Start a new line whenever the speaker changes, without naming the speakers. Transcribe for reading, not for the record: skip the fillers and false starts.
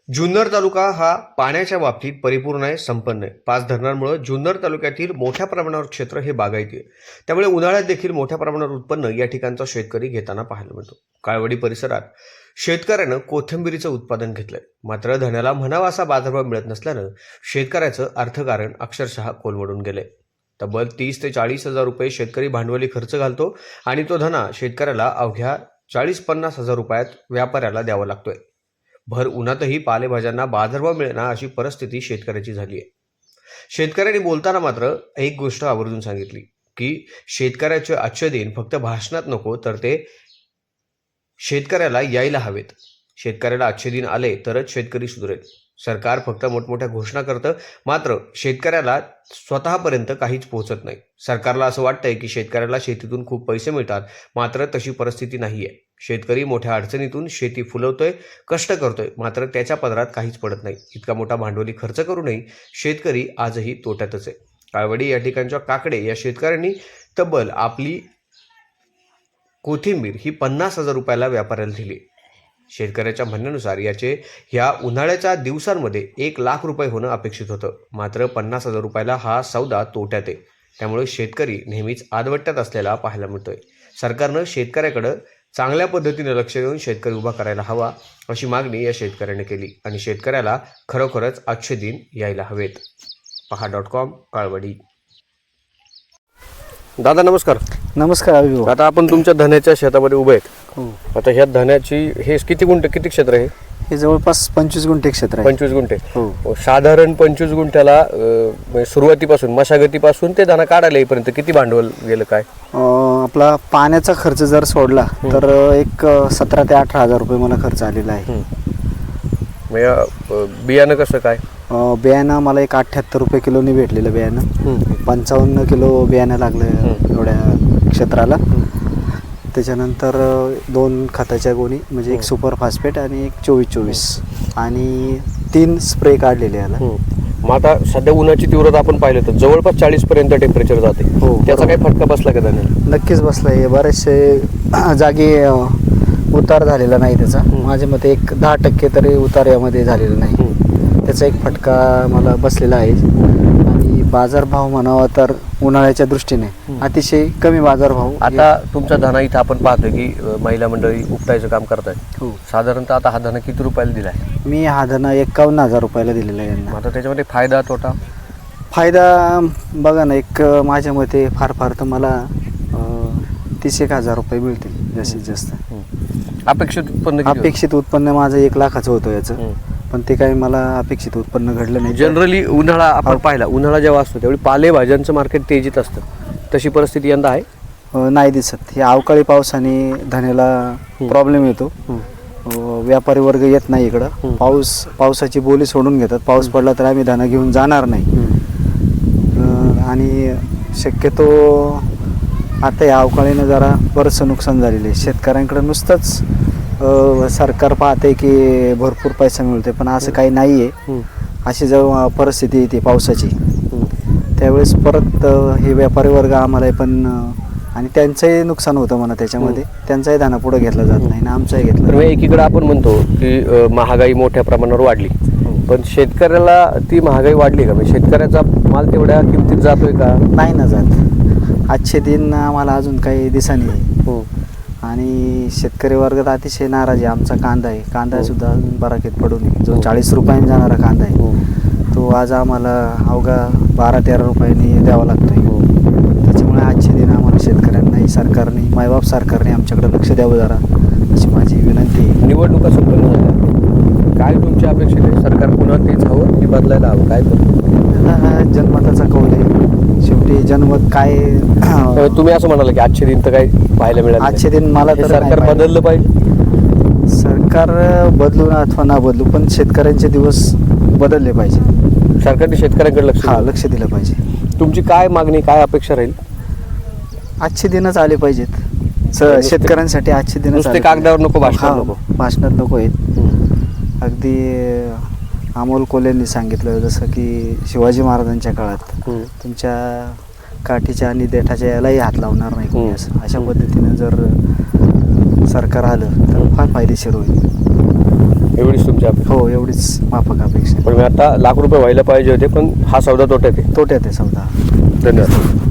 जुन्नर तालुका हा पाण्याच्या बाबतीत परिपूर्ण आहे, संपन्न आहे. 5 धरणांमुळे जुन्नर तालुक्यातील मोठ्या प्रमाणावर क्षेत्र हे बागायती आहे. त्यामुळे उन्हाळ्यात देखील मोठ्या प्रमाणावर उत्पन्न या ठिकाणचा शेतकरी घेताना पाहायला मिळतो. काळवडी परिसरात शेतकऱ्यानं कोथिंबिरीचं उत्पादन घेतलंय. मात्र धण्याला म्हणावा असा बाजारभाव मिळत नसल्यानं शेतकऱ्याचं अर्थकारण अक्षरशः कोलमडून गेलंय. तब्बल 30 ते 40 हजार रुपये शेतकरी भांडवली खर्च घालतो आणि तो धना शेतकऱ्याला अवघ्या 40-50 हजार रुपयात व्यापाऱ्याला द्यावा लागतोय. भर उन्हातही पालेभाज्यांना बाजारभाव मिळेना अशी परिस्थिती शेतकऱ्याची झाली आहे. शेतकऱ्यांनी बोलताना मात्र एक गोष्ट आवर्जून सांगितली की शेतकऱ्याचे आजचे दिन फक्त भाषणात नको, तर ते शेतकऱ्याला यायला हवेत. शेतकऱ्याला आजचे दिन आले तरच शेतकरी सुधरेल. सरकार फक्त मोठमोठ्या घोषणा करतं, मात्र शेतकऱ्याला स्वतःपर्यंत काहीच पोहोचत नाही. सरकारला असं वाटतंय की शेतकऱ्याला शेतीतून खूप पैसे मिळतात, मात्र तशी परिस्थिती नाहीये. शेतकरी मोठ्या अडचणीतून शेती फुलवतोय, कष्ट करतोय, मात्र त्याच्या पदरात काहीच पडत नाही. इतका मोठा भांडवली खर्च करूनही शेतकरी आजही तोट्यातच आहे. काळवडी या ठिकाणच्या काकडे या शेतकऱ्यांनी तब्बल आपली कोथिंबीर ही 50 हजार रुपयाला व्यापाऱ्याला दिली. शेतकऱ्याच्या म्हणण्यानुसार याचे ह्या उन्हाळ्याच्या दिवसांमध्ये 1 लाख रुपये होणं अपेक्षित होतं, मात्र 50 हजार रुपयाला हा सौदा तोट्यात आहे. त्यामुळे शेतकरी नेहमीच आदवट्यात असलेला पाहायला मिळतोय. सरकारनं शेतकऱ्याकडं चांगल्या पद्धतीने लक्ष देऊन शेतकरी उभा करायला हवा अशी मागणी या शेतकऱ्याने केली आणि शेतकऱ्याला खरोखरच आजचे दिन यायला हवेत. पहा.com काळवडी. दादा नमस्कार.
नमस्कार अभिभाऊ.
आता आपण तुमच्या धन्याच्या शेतामध्ये उभे आहेत.
हो,
आता ह्या धन्याची हे किती क्षेत्र आहे?
हे जवळपास 25 गुंठे क्षेत्र आहे.
25 गुंठे.
हो,
साधारण 25 गुंठ्याला म्हणजे सुरुवातीपासून मशागतीपासून ते दाना काढायला येईपर्यंत किती भांडवल गेलं काय?
आपला पाण्याचा खर्च जर सोडला तर एक 17 ते 18 हजार रुपये मला खर्च आलेला आहे.
बियाणं कसं काय?
बियाणं मला एक 78 रुपये किलोनी भेटलेलं बियाणं. 55 किलो बियाणं लागलं एवढ्या क्षेत्राला. त्याच्यानंतर 2 खताच्या गोणी म्हणजे एक सुपर फॉस्फेट आणि एक 24-24 आणि 3 स्प्रे काढलेले याला.
मग आता सध्या उन्हाची तीव्रता आपण पाहिलं तर जवळपास 40 पर्यंत टेम्परेचर जाते.
हो,
त्याचा काही फटका बसला का त्याने?
नक्कीच बसला आहे. बरेचसे जागी उतार झालेला नाही त्याचा. माझ्या मते एक 10% तरी उतार यामध्ये झालेला नाही. त्याचा एक फटका मला बसलेला आहे. आणि बाजारभाव म्हणावा तर उन्हाळ्याच्या दृष्टीने अतिशय कमी बाजारभाव.
आता तुमचा धना इथं आपण पाहतोय की महिला मंडळी उपटायचं काम करताय.
हो,
साधारणतः आता हा धना किती रुपयाला दिलाय?
मी हा धना 51 हजार रुपयाला दिलेला आहे यांना.
आता त्याच्यामध्ये फायदा तोटा?
फायदा बघा ना, एक माझ्या मते फार तर मला 30 हजार रुपये मिळतील जास्तीत जास्त.
अपेक्षित उत्पन्न किती होतं?
अपेक्षित उत्पन्न माझं 1 लाखाचं होतं याचं, पण ते काही मला अपेक्षित उत्पन्न घडलं नाही.
जनरली उन्हाळा आपण पाहिला, उन्हाळा जेव्हा असतो त्यावेळी पालेभाज्यांचं मार्केट तेजीत असतं. तशी परिस्थिती यंदा आहे?
नाही दिसत. हे अवकाळी पावसाने धन्याला प्रॉब्लेम येतो. व्यापारी वर्ग येत नाही इकडं. पावसाची बोली सोडून घेतात. पाऊस पडला तर आम्ही धना घेऊन जाणार नाही. आणि शक्यतो आता या अवकाळीनं जरा बरंचसं नुकसान झालेलं आहे. शेतकऱ्यांकडे नुसतंच सरकार पाहते की भरपूर पैसा मिळते, पण असं काही नाही आहे. अशी जेव्हा परिस्थिती येते पावसाची त्यावेळेस परत हे व्यापारी वर्ग आम्हाला पण आणि त्यांचंही नुकसान होतं म्हणा त्याच्यामध्ये. त्यांचाही धना पुढे घेतला जात नाही ना आमचाही घेतला.
एकीकडे आपण म्हणतो की महागाई मोठ्या प्रमाणावर वाढली, पण शेतकऱ्याला ती महागाई वाढली का? म्हणजे शेतकऱ्याचा माल तेवढ्या किमतीत जातोय का?
नाही ना जात. आजचे दिन आम्हाला अजून काही दिसानी आहे. आणि शेतकरी वर्गात अतिशय नाराज आहे. आमचा कांदा सुद्धा अजून बराकीत पडून जो 40 रुपयांनी जाणारा कांदा आहे तो आज आम्हाला अवघा 12-13 रुपयांनी द्यावा लागतोय. त्याच्यामुळे आजचे दिन आम्हाला शेतकऱ्यांनाही सरकारने, मायबाप सरकारने आमच्याकडे लक्ष द्यावं जरा अशी माझी विनंती आहे.
निवडणुका संपन्न झाल्या, काय तुमची अपेक्षा आहे? सरकार पुन्हा तेच हवं की बदलायला हवं? काय
हा जनमताचा कौल आहे. शेवटी जनमत काय
तुम्ही असं म्हणाल की आजचे दिन तर काही पाहायला मिळालं?
आजचे दिन मला तर
सरकार बदललं पाहिजे.
सरकार बदलू अथवा ना बदलू, पण शेतकऱ्यांचे दिवस बदलले पाहिजे.
सरकारने शेतकऱ्यांकडे
लक्ष दिलं पाहिजे.
तुमची काय मागणी, काय अपेक्षा राहील?
आजचे दिनच आले पाहिजेत शेतकऱ्यांसाठी. आजचे दिनच
कागदावर नको,
भाषणात नको आहेत. अगदी अमोल कोल्हेंनी सांगितलं जसं की शिवाजी महाराजांच्या काळात तुमच्या काठीच्या आणि देठाच्या यालाही हात लावणार नाही कोणी, असं अशा पद्धतीनं जर सरकार आलं तर फार फायदेशीर होईल.
एवढीच तुमच्या अपेक्षा.
हो एवढीच माफक अपेक्षा.
पण मी आता लाख रुपये व्हायला पाहिजे होते, पण हा सौदा तोट्यात आहे.
तोट्यात आहे सौदा.
धन्यवाद.